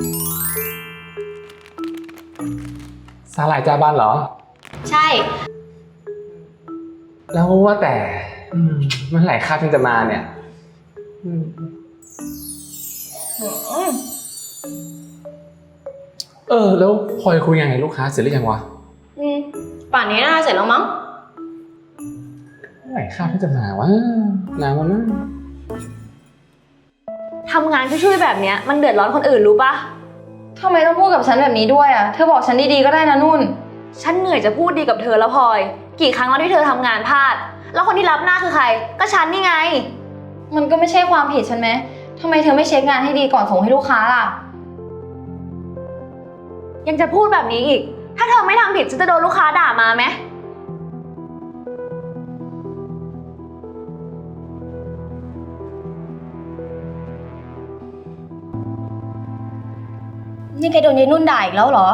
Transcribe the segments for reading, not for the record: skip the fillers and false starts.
สาหร่ายจาบันเหรอใช่แล้วว่าแต่เมื่อไหร่ข้าวถึงจะมาเนี่ยแล้วพลอยคุยงานกับลูกค้าเสร็จหรือยังวะป่านนี้น่าจะเสร็จแล้วมั้งเมื่อไหร่ข้าวถึงจะมาวะนานแล้วนะทำงานช่วยแบบเนี้ยมันเดือดร้อนคนอื่นรู้ปะทำไมต้องพูดกับฉันแบบนี้ด้วยอ่ะเธอบอกฉันดีๆก็ได้นะนุ่นฉันเหนื่อยจะพูดดีกับเธอแล้วพลอยกี่ครั้งแล้วที่เธอทำงานพลาดแล้วคนที่รับหน้าคือใครก็ฉันนี่ไงมันก็ไม่ใช่ความผิดฉันไหมทำไมเธอไม่เช็คงานให้ดีก่อนส่งให้ลูกค้าล่ะยังจะพูดแบบนี้อีกถ้าเธอไม่ทำผิดฉันจะโดนลูกค้าด่ามาไหมนี่แกโดนยายนุ่นด่าอีกแล้วเหรอ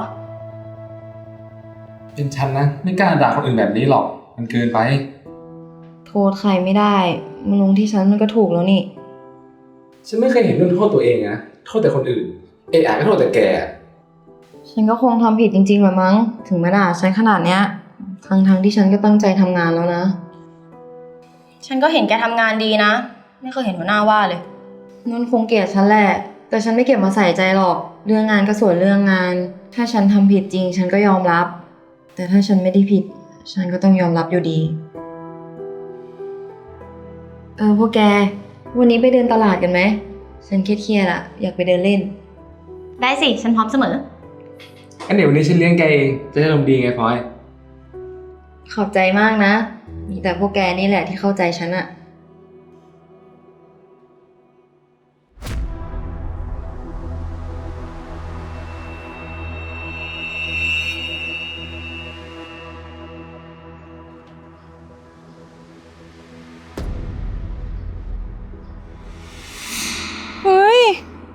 เป็นฉันนะไม่กล้าด่าคนอื่นแบบนี้หรอกมันเกินไปโทษใครไม่ได้มันลงที่ฉันมันก็ถูกแล้วนี่ฉันไม่เคยเห็นนุ่นโทษตัวเองนะโทษแต่คนอื่นก็โทษแต่แกฉันก็คงทำผิดจริงๆแหละมั้งถึงมาด่าฉันขนาดเนี้ยทั้งที่ฉันก็ตั้งใจทำงานแล้วนะฉันก็เห็นแกทำงานดีนะไม่เคยเห็นหัวหน้าว่าเลยนุ่นคงเกลียดฉันแหละแต่ฉันไม่เก็บมาใส่ใจหรอกเรื่องงานก็ส่วนเรื่องงานถ้าฉันทำผิดจริงฉันก็ยอมรับแต่ถ้าฉันไม่ได้ผิดฉันก็ต้องยอมรับอยู่ดีพวกแกวันนี้ไปเดินตลาดกันไหมฉันเครียดๆอะอยากไปเดินเล่นได้สิฉันพร้อมเสมองั้นเดี๋ยววันนี้ฉันเลี้ยงแกเองจะได้ลมดีไงพลอยขอบใจมากนะมีแต่พวกแกนี่แหละที่เข้าใจฉันอะเฮ้ย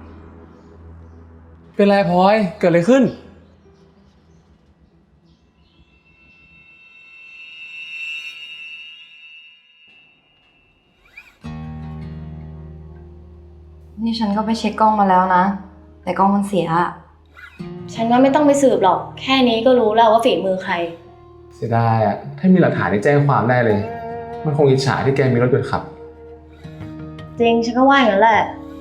เป็นไรพลอยเกิดอะไรขึ้นนี่ฉันก็ไปเช็คกล้องมาแล้วนะแต่กล้องมันเสียฉันว่าไม่ต้องไปสืบหรอกแค่นี้ก็รู้แล้วว่าฝีมือใครเสียดายอ่ะถ้ามีหลักฐานที่แจ้งความได้เลยมันคงอิจฉาที่แกมีรถยนต์ขับจริงฉันก็ว่าอย่างนั้นแหละ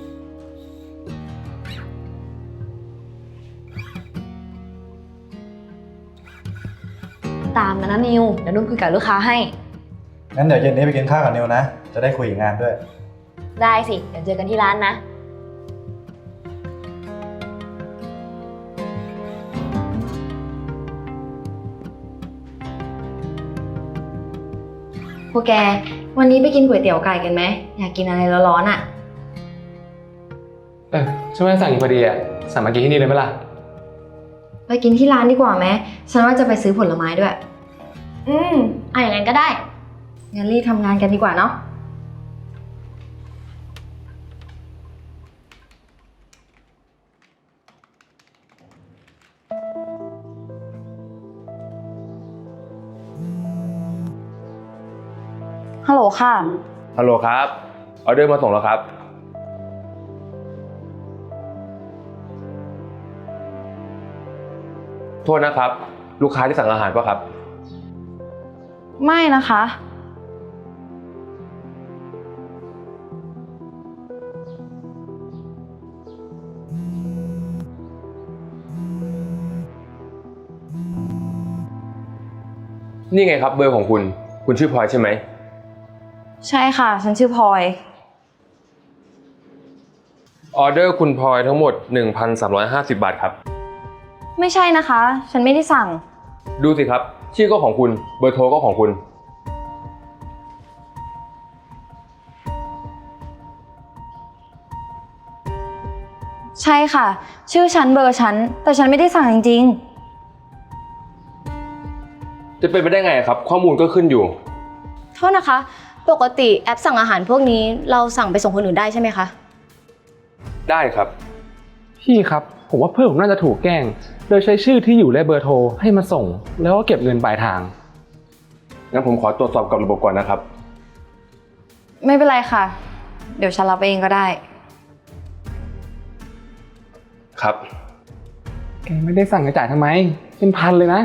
ตามมานะนิวเดี๋ยวนุ่นคุยกับลูกค้าให้งั้นเดี๋ยวเย็นนี้ไปกินข้าวกับนิวนะจะได้คุยงานด้วยได้สิเดี๋ยวเจอกันที่ร้านนะพวกแกวันนี้ไปกินก๋วยเตี๋ยวไก่กันไหมอยากกินอะไรร้อนๆอ่ะช่วยสั่งอีกพอดีอ่ะสั่งมากินที่นี่เลยไหมล่ะไปกินที่ร้านดีกว่าไหมฉันว่าจะไปซื้อผลไม้ด้วยอย่างนั้นก็ได้งั้นรีบทำงานกันดีกว่าเนาะฮัลโหลค่ะฮัลโหลครับออเดอร์มาส่งแล้วครับโทษนะครับลูกค้าที่สั่งอาหารป่ะครับไม่นะคะนี่ไงครับเบอร์ของคุณชื่อพลอยใช่ไหมใช่ค่ะฉันชื่อพลอยออเดอร์คุณพลอยทั้งหมด 1,350 บาทครับไม่ใช่นะคะฉันไม่ได้สั่งดูสิครับชื่อก็ของคุณเบอร์โทรก็ของคุณใช่ค่ะชื่อฉันเบอร์ฉันแต่ฉันไม่ได้สั่งจริงจะเป็นไปได้ไงครับข้อมูลก็ขึ้นอยู่โทษนะคะปกติแอปสั่งอาหารพวกนี้เราสั่งไปส่งคนอื่นได้ใช่ไหมคะได้ครับพี่ครับผมว่าเพื่อนผมน่าจะถูกแกล้งโดยใช้ชื่อที่อยู่และเบอร์โทรให้มาส่งแล้วก็เก็บเงินปลายทางงั้นผมขอตรวจสอบกับระบบก่อนนะครับไม่เป็นไรค่ะเดี๋ยวฉันรับเองก็ได้ครับแกไม่ได้สั่งจะจ่ายทำไม เป็นพันเลยนะ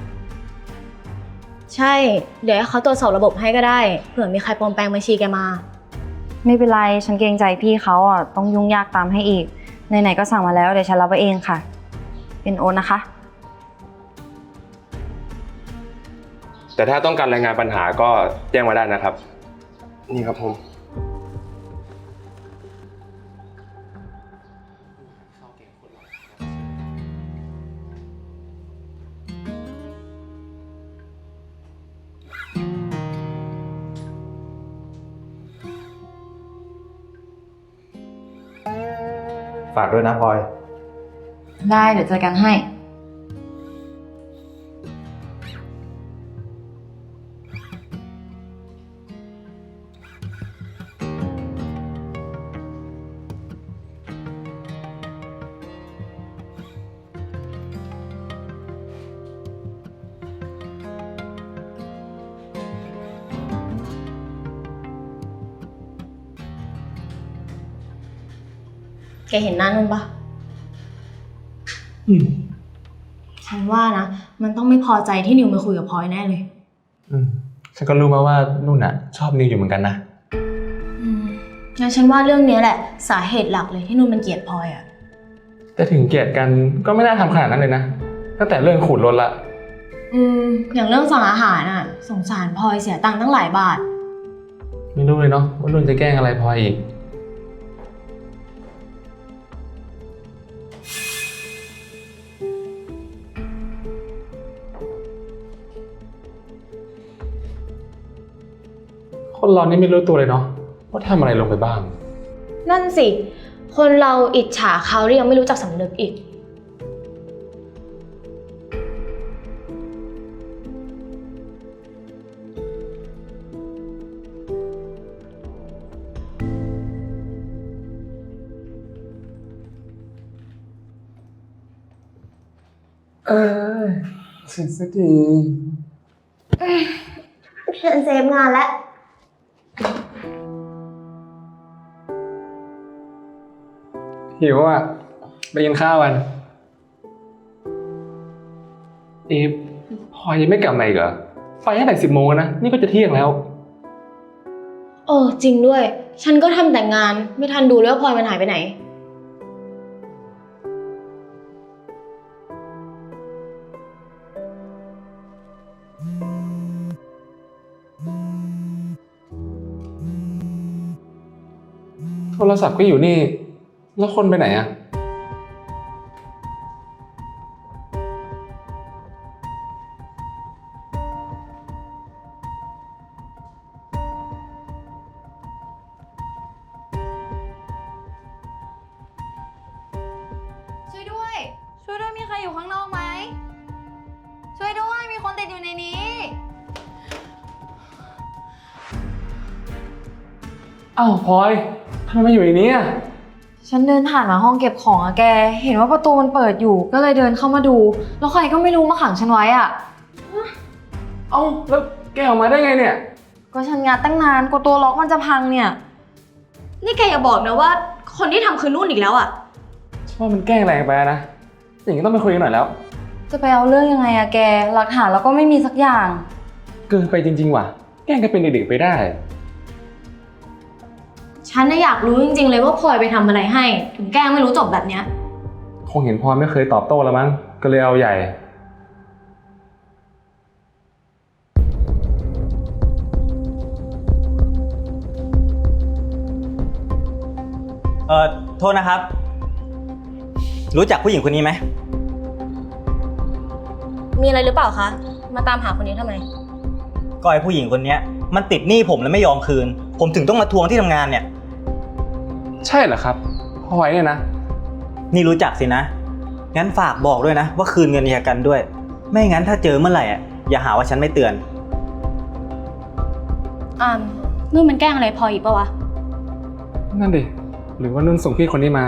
ใช่ เดี๋ยวให้เขาตรวจสอบระบบให้ก็ได้ เผื่อมีใครปลอมแปลงบัญชีแกมาไม่เป็นไร ฉันเกรงใจพี่เขาอ่ะ ต้องยุ่งยากตามให้อีก ไหนๆก็สั่งมาแล้วเดี๋ยวฉันรับไว้เองค่ะ เป็นโอนนะคะแต่ถ้าต้องการรายงานปัญหาก็แจ้งมาได้นะครับ นี่ครับผมฝากด้วยนะพลอยได้เดี๋ยวจัดการให้แกเห็นหน้านุ่นปะอืมฉันว่านะ มันต้องไม่พอใจที่นิวมาคุยกับพลอยแน่เลยฉันก็รู้มาว่านุ่นอ่ะ ชอบนิวอยู่เหมือนกันนะงั้นฉันว่าเรื่องนี้แหละ สาเหตุหลักเลยที่นุ่นมันเกลียดพลอยอ่ะแต่ถึงเกลียดกันก็ไม่น่าทำขนาดนั้นเลยนะ ตั้งแต่เรื่องขูดรถละอย่างเรื่องสั่งอาหารอ่ะ สงสารพลอยเสียตังค์ตั้งหลายบาทไม่รู้เลยเนาะว่านุ่นจะแกล้งอะไรพลอยอีก คนเรานี่ไม่รู้ตัวเลยเนาะว่าทำอะไรลงไปบ้างนั่นสิ คนเราอิจฉาเขาที่ยังไม่รู้จักสำนึกอีกเสร็จสักทีฉันเซฟงานแล้วหิวอ่ะ ไปกินข้าวกันอีฟพลอยยังไม่กลับมาอีกเหรอไฟตั้งแต่10 โมงแล้วนะ นี่ก็จะเที่ยงแล้วจริงด้วย ฉันก็ทำแต่งงาน ไม่ทันดูเลยว่าพลอยมันหายไปไหนโทรศัพท์ก็อยู่นี่ แล้วคนไปไหนอ่ะช่วยด้วย ช่วยด้วย มีใครอยู่ข้างนอกไหม ช่วยด้วย มีคนติดอยู่ในนี้อ้าวพลอยทำไมมาอยู่ในนี้อ่ะฉันเดินผ่านมาห้องเก็บของอะแก เห็นว่าประตูมันเปิดอยู่ ก็เลยเดินเข้ามาดู แล้วใครก็ไม่รู้มาขังฉันไว้อะเอ้าแล้วแกออกมาได้ไงเนี่ยก็ฉันงัดตั้งนานกลัวตัวล็อกมันจะพังเนี่ยนี่แกอย่าบอกนะว่า คนที่ทำคือนุ่นอีกแล้วอ่ะฉันว่ามันแกล้งแรงไปนะ อย่างนี้ต้องไปคุยกันหน่อยแล้วจะไปเอาเรื่องยังไงอะแก หลักฐานเราก็ไม่มีสักอย่างเกินไปจริงๆว่ะ แกล้งกันเป็นเด็กๆไปได้ฉันน่ะอยากรู้จริงๆเลยว่าพลอยไปทำอะไรให้ ถึงแกล้งไม่รู้จบแบบเนี้ยคงเห็นพลอยไม่เคยตอบโต้แล้วมั้ง ก็เลยเอาใหญ่โทษนะครับ รู้จักผู้หญิงคนนี้ไหมมีอะไรหรือเปล่าคะ มาตามหาคนนี้ทำไมก็ไอ้ผู้หญิงคนเนี้ยมันติดหนี้ผมแล้วไม่ยอมคืน ผมถึงต้องมาทวงที่ทำงานเนี่ยใช่เหรอครับพลอยเนี่ยนะนี่รู้จักสินะ งั้นฝากบอกด้วยนะว่าคืนเงินเฮียกันด้วย ไม่งั้นถ้าเจอเมื่อไหร่อ่ะอย่าหาว่าฉันไม่เตือนนุ่นมันแกล้งอะไรพลอยอีกปะวะนั่นดิ หรือว่านุ่นส่งพี่คนนี้มา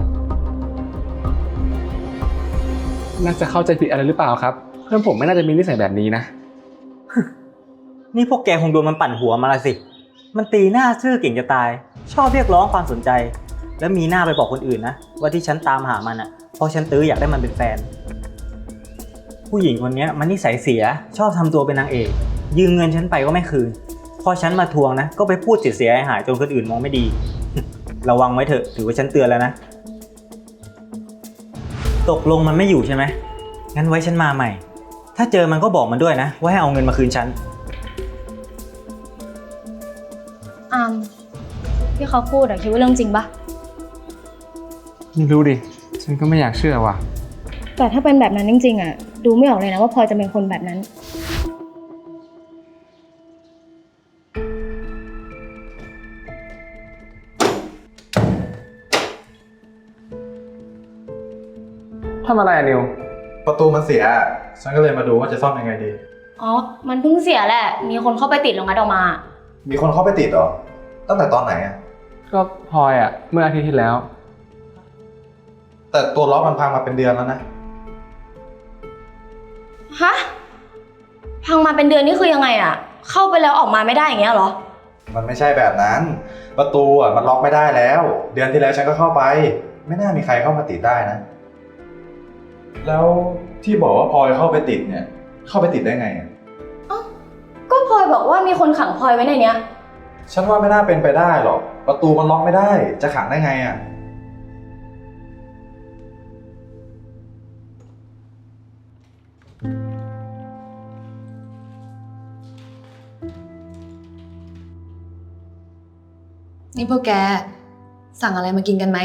น่าจะเข้าใจผิดอะไรหรือเปล่าครับ เพื่อนผมไม่น่าจะมีนิสัยแบบนี้นะนี่พวกแกคงโดนมันปั่นหัวมาละสิ มันตีหน้าซื่อเก่งจะตาย ชอบเรียกร้องความสนใจ แล้วมีหน้าไปบอกคนอื่นนะว่าที่ฉันตามหามันอ่ะเพราะฉันตื้ออยากได้มันเป็นแฟน ผู้หญิงคนนี้มันนิสัยเสียชอบทำตัวเป็นนางเอกยืมเงินฉันไปก็ไม่คืนพอฉันมาทวงนะก็ไปพูดเสียหายจนคนอื่นมองไม่ดี ระวังไว้เถอะถือว่าฉันเตือนแล้วนะตกลงมันไม่อยู่ใช่ไหมงั้นไว้ฉันมาใหม่ถ้าเจอมันก็บอกมันด้วยนะว่าให้เอาเงินมาคืนฉันที่เขาพูดคิดว่าเรื่องจริงปะไม่รู้ดิ ฉันก็ไม่อยากเชื่อว่ะแต่ถ้าเป็นแบบนั้นจริงๆดูไม่ออกเลยนะว่าพลอยจะเป็นคนแบบนั้นทำอะไรอะนิวประตูมันเสีย ฉันก็เลยมาดูว่าจะซ่อมยังไงดีอ๋อ มันเพิ่งเสียแหละ มีคนเข้าไปติดลงงัดออกมามีคนเข้าไปติดเหรอ ตั้งแต่ตอนไหนอะก็พลอยอะเมื่ออาทิตย์ที่แล้วแต่ตัวล็อกมันพังมาเป็นเดือนแล้วนะฮะ พังมาเป็นเดือนนี่คือยังไงเข้าไปแล้วออกมาไม่ได้อย่างเงี้ยเหรอมันไม่ใช่แบบนั้น ประตูอะมันล็อกไม่ได้แล้ว เดือนที่แล้วฉันก็เข้าไป ไม่น่ามีใครเข้ามาติดได้นะ แล้วที่บอกว่าพลอยเข้าไปติดเนี่ย เข้าไปติดได้ไงอะก็พลอยบอกว่ามีคนขังพลอยไว้ในเนี้ยฉันว่าไม่น่าเป็นไปได้หรอก ประตูมันล็อกไม่ได้ จะขังได้ไงอะนี่พวกแกสั่งอะไรมากินกันไหม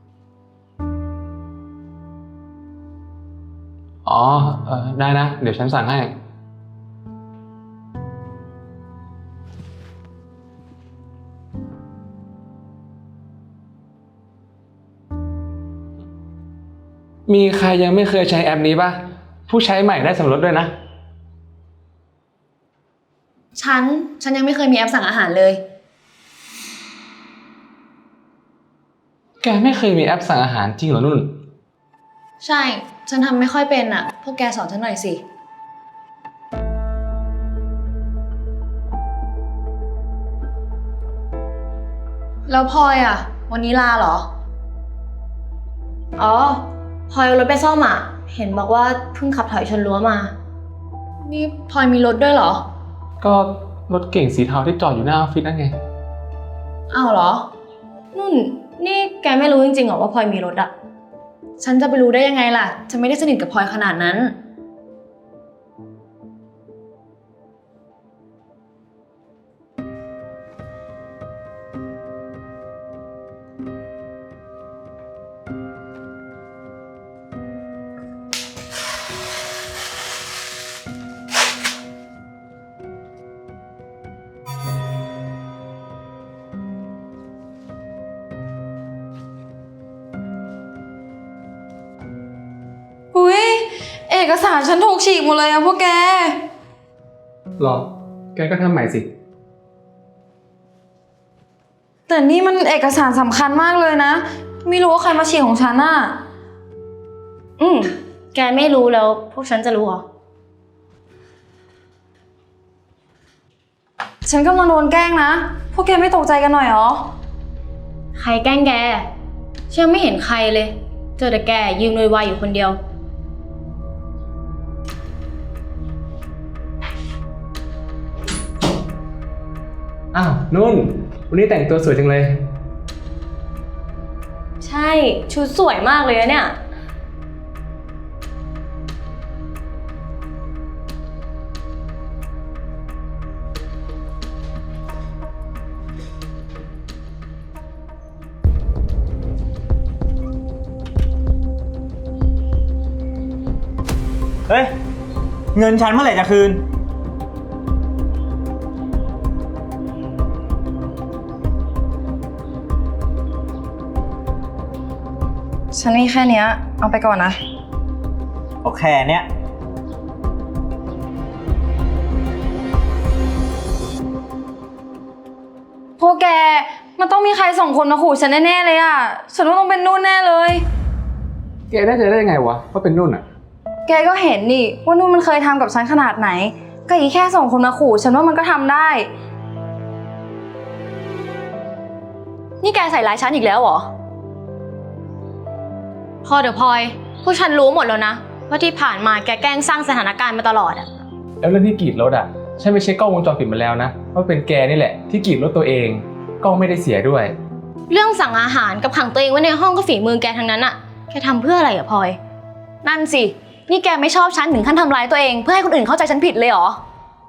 อ๋อได้นะ เดี๋ยวฉันสั่งให้ มีใครยังไม่เคยใช้แอปนี้ป่ะ ผู้ใช้ใหม่ได้ส่วนลดด้วยนะฉันยังไม่เคยมีแอปสั่งอาหารเลยแกไม่เคยมีแอปสั่งอาหารจริงเหรอนุ่นใช่ ฉันทำไม่ค่อยเป็นพวกแกสอนฉันหน่อยสิ แล้วพลอยวันนี้ลาเหรอ อ๋อ พลอยเอารถไปซ่อมเห็นบอกว่าเพิ่งขับถอยชนรั้วมา นี่พลอยมีรถด้วยเหรอก็รถเก่งสีเทาที่จอดอยู่หน้าออฟฟิศนั่นไงอ้าวเหรอ นุ่น นี่แกไม่รู้จริงๆเหรอว่าพลอยมีรถฉันจะไปรู้ได้ยังไงล่ะ ฉันไม่ได้สนิทกับพลอยขนาดนั้นอุ๊ย เอกสารฉันถูกฉีกหมดเลยพวกแกหรอ แกก็ทำใหม่สิแต่นี่มันเอกสารสำคัญมากเลยนะ ไม่รู้ว่าใครมาฉีกของฉันแกไม่รู้แล้วพวกฉันจะรู้เหรอฉันกำลังโดนแกล้งนะ พวกแกไม่ตกใจกันหน่อยเหรอใครแกล้งแกฉันไม่เห็นใครเลย เจอแต่แกยืนโวยวายอยู่คนเดียวอ้าวนุ่น วันนี้แต่งตัวสวยจังเลยใช่ ชุดสวยมากเลยเนี่ยเฮ้ย เงินฉันเมื่อไหร่จะคืนฉันมีแค่เนี้ย เอาไปก่อนนะก็แค่เนี้ยพวกแก มันต้องมีใครส่งคนมาขู่ฉันแน่ๆเลยฉันว่าต้องเป็นนุ่นแน่เลยแกได้ใจได้ยังไงวะว่าเป็นนุ่นแกก็เห็นนี่ว่านุ่นมันเคยทำกับฉันขนาดไหน ก็อีแค่ส่งคนมาขู่ฉันว่ามันก็ทำได้นี่แกใส่ร้ายฉันอีกแล้วเหรอพอเดี๋ยวพลอยพวกฉันรู้หมดแล้วนะว่าที่ผ่านมาแกแกล้งสร้างสถานการณ์มาตลอดอะแล้วเรื่องที่กรีดรถอ่ะฉันไปเช็คกล้องวงจรปิดมาแล้วนะว่าเป็นแกนี่แหละที่กรีดรถตัวเองกล้องไม่ได้เสียด้วยเรื่องสั่งอาหารกับขังตัวเองไว้ในห้องก็ฝีมือแกทั้งนั้นอะแกทำเพื่ออะไรอะพลอยนั่นสินี่แกไม่ชอบฉันถึงขั้นทำร้ายตัวเองเพื่อให้คนอื่นเข้าใจฉันผิดเลยเหรอ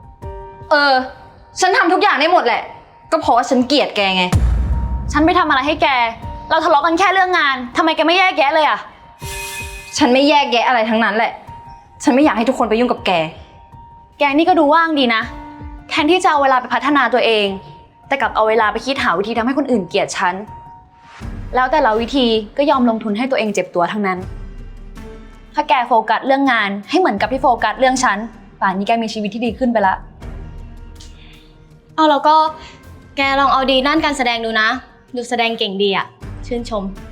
ฉันทำทุกอย่างได้หมดแหละ ก็เพราะว่าฉันเกลียดแกไงฉันไม่ทำอะไรให้แกเราทะเลาะกันแค่เรื่องงานทำไมแกไม่แยกแยะเลยอะฉันไม่แยกแยะอะไรทั้งนั้นแหละ ฉันไม่อยากให้ทุกคนไปยุ่งกับแกแกนี่ก็ดูว่างดีนะแทนที่จะเอาเวลาไปพัฒนาตัวเอง แต่กลับเอาเวลาไปคิดหาวิธีทำให้คนอื่นเกลียดฉันแล้วแต่ละวิธีก็ยอมลงทุนให้ตัวเองเจ็บตัวทั้งนั้นถ้าแกโฟกัสเรื่องงานให้เหมือนกับที่โฟกัสเรื่องฉันป่านนี้แกมีชีวิตที่ดีขึ้นไปละเอาแล้วก็แกลองเอาดีด้านการแสดงดูนะดูแสดงเก่งดีอะชื่นชม